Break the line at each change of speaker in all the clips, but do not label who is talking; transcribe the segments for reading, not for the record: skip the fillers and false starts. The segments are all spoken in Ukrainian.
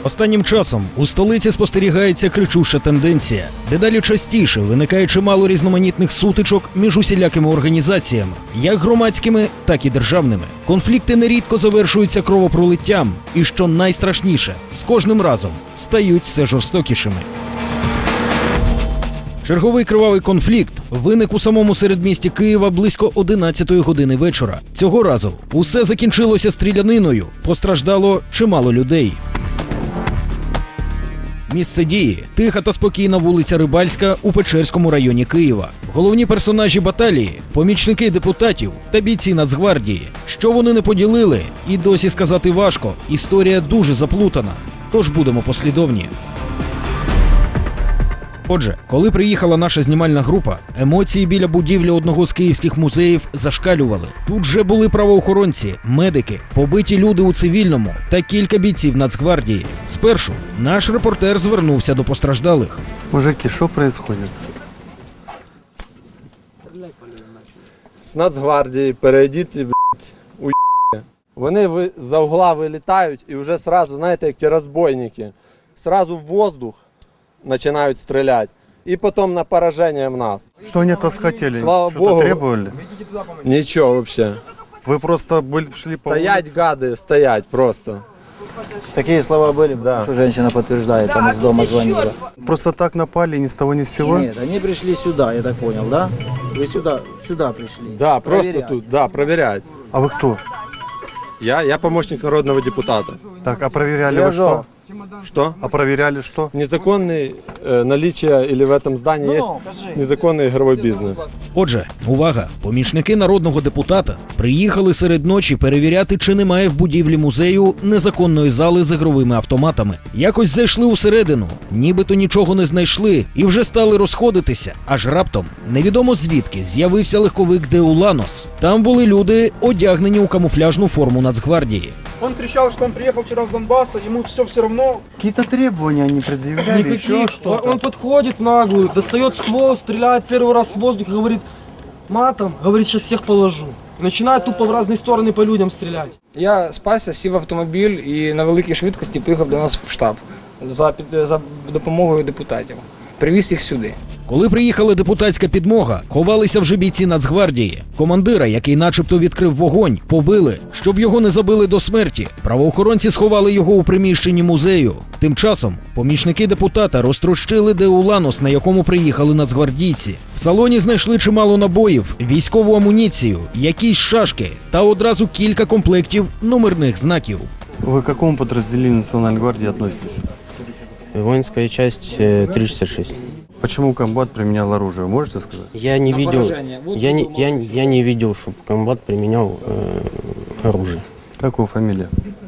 Останнім часом у столиці спостерігається кричуща тенденція. Дедалі частіше виникає чимало різноманітних сутичок між усілякими організаціями, як громадськими, так і державними. Конфлікти нерідко завершуються кровопролиттям і, що найстрашніше, з кожним разом стають все жорстокішими. Черговий кривавий конфлікт виник у самому середмісті Києва близько 11-ї години вечора. Цього разу усе закінчилося стріляниною, постраждало чимало людей. Місце дії – тиха та спокійна вулиця Рибальська у Печерському районі Києва. Головні персонажі баталії – помічники депутатів та бійці Нацгвардії. Що вони не поділили, і досі сказати важко. Історія дуже заплутана, тож будемо послідовні. Отже, коли приїхала наша знімальна група, емоції біля будівлі одного з київських музеїв зашкалювали. Тут вже були правоохоронці, медики, побиті люди у цивільному та кілька бійців Нацгвардії. Спершу наш репортер звернувся до постраждалих.
Мужики, що відбувається?
З Нацгвардії перейдіть і, Вони за угла вилітають і вже сразу, знаєте, як ті розбойники, сразу в воздух начинают стрелять. И потом на поражение в нас.
Что они от вас хотели?
Слава
Что-то
Богу.
требовали?
Ничего вообще.
Вы просто шли по
Стоять,
улице?
гады, стоять просто.
Такие слова были,
Да.
что женщина подтверждает, там из дома звонила.
Просто так напали, ни с того ни с сего?
Нет, они пришли сюда, я так понял, да? Вы сюда пришли.
Да, просто
проверять.
тут, да, проверять.
А вы кто?
Я помощник народного депутата.
Так, а проверяли вы
Связал.
что?
Что?
А проверяли что?
Незаконный наличие или в этом здании есть незаконный игровой бизнес.
Отже, увага! Помічники народного депутата приїхали серед ночі перевіряти, чи немає в будівлі музею незаконної зали з ігровими автоматами. Якось зайшли усередину, нібито нічого не знайшли і вже стали розходитися. Аж раптом, невідомо звідки, з'явився легковик Деуланос. Там були люди, одягнені у камуфляжну форму Нацгвардії.
Он кричал, что он приехал вчера с Донбасса, ему все равно.
Какие-то требования они предъявляли, еще
Никаких.
что-то?
Он подходит в наглую, достает ствол, стреляет первый раз в воздух и говорит матом, говорит, сейчас всех положу. Начинает тупо в разные стороны по людям стрелять.
Я спасся, сів в автомобіль і на великій швидкості поїхав до нас в штаб за допомогою депутатів. Привіз їх сюди.
Коли приїхала депутатська підмога, ховалися вже бійці Нацгвардії. Командира, який начебто відкрив вогонь, побили, щоб його не забили до смерті. Правоохоронці сховали його у приміщенні музею. Тим часом помічники депутата розтрощили Деуланос, на якому приїхали нацгвардійці. В салоні знайшли чимало набоїв, військову амуніцію, якісь шашки та одразу кілька комплектів номерних знаків.
Вы к какому подразделению Национальной гвардии относитесь?
Воинская часть 366.
Почему комбат применял оружие, можете сказать?
Я не видел,
поражение. Вот
я не видел, чтобы комбат применял оружие.
Как его фамилия?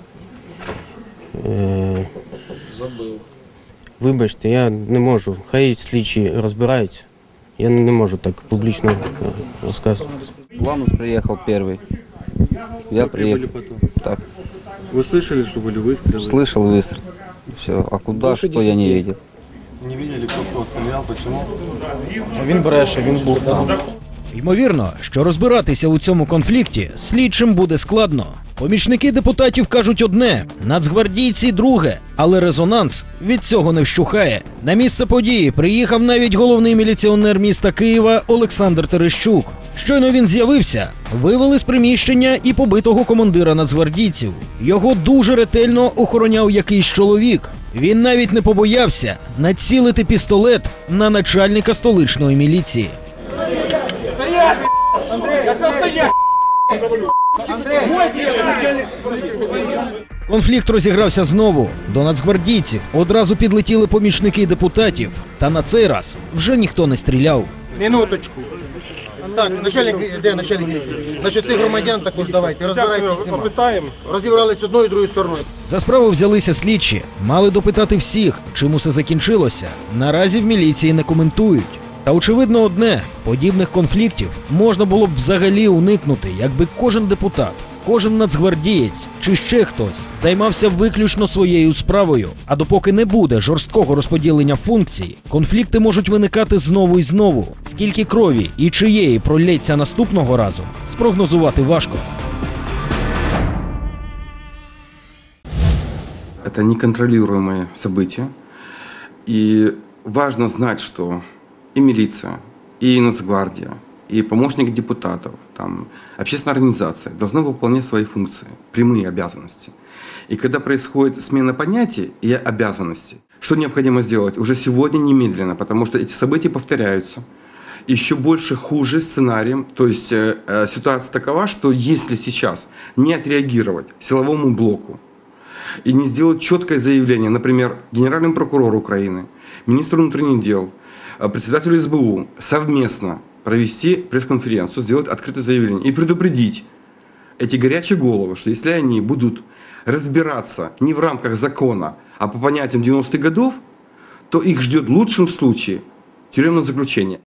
Вибачте, я не можу. Хай слідчі розбираються. Я не можу так публічно розказувати.
Ламус приехал первый. Я приехал.
потом?
Так,
Вы слышали, что были выстрелы?
слышал выстрел. Все, а куда,
Больше
что я не
10.
видел.
Не видели, кто стрелял, почему?
Він бреше, він був там.
Ймовірно, що розбиратися у цьому конфлікті слідчим буде складно. Помічники депутатів кажуть одне, нацгвардійці друге, але резонанс від цього не вщухає. На місце події приїхав навіть головний міліціонер міста Києва Олександр Терещук. Щойно він з'явився, вивели з приміщення і побитого командира нацгвардійців. Його дуже ретельно охороняв якийсь чоловік. Він навіть не побоявся націлити пістолет на начальника столичної міліції. Конфлікт розігрався знову. До нацгвардійців одразу підлетіли помічники депутатів. Та на цей раз вже ніхто не стріляв.
Минуточку. Так, начальник, де начальник міліції? Значить, цих громадян також давайте, розбирайтеся всіма. Розібрались одною і другою стороною.
За справу взялися слідчі. Мали допитати всіх, чим усе закінчилося. Наразі в міліції не коментують. Та очевидно одне – подібних конфліктів можна було б взагалі уникнути, якби кожен депутат, кожен нацгвардієць чи ще хтось займався виключно своєю справою. А допоки не буде жорсткого розподілення функцій, конфлікти можуть виникати знову і знову. Скільки крові і чиєї пролється наступного разу, спрогнозувати важко.
это неконтролируемое событие. И важно знать, что и милиция, и Нацгвардия, и помощник депутатов, там, общественная организация должны выполнять свои функции, прямые обязанности. И когда происходит смена понятий и обязанностей, что необходимо сделать уже сегодня немедленно, потому что эти события повторяются. Еще больше хуже сценарием, то есть ситуация такова, что если сейчас не отреагировать силовому блоку и не сделать четкое заявление, например, генеральному прокурору Украины, министру внутренних дел, председателю СБУ совместно провести пресс-конференцию, сделать открытое заявление и предупредить эти горячие головы, что если они будут разбираться не в рамках закона, а по понятиям 90-х годов, то их ждет в лучшем случае тюремное заключение.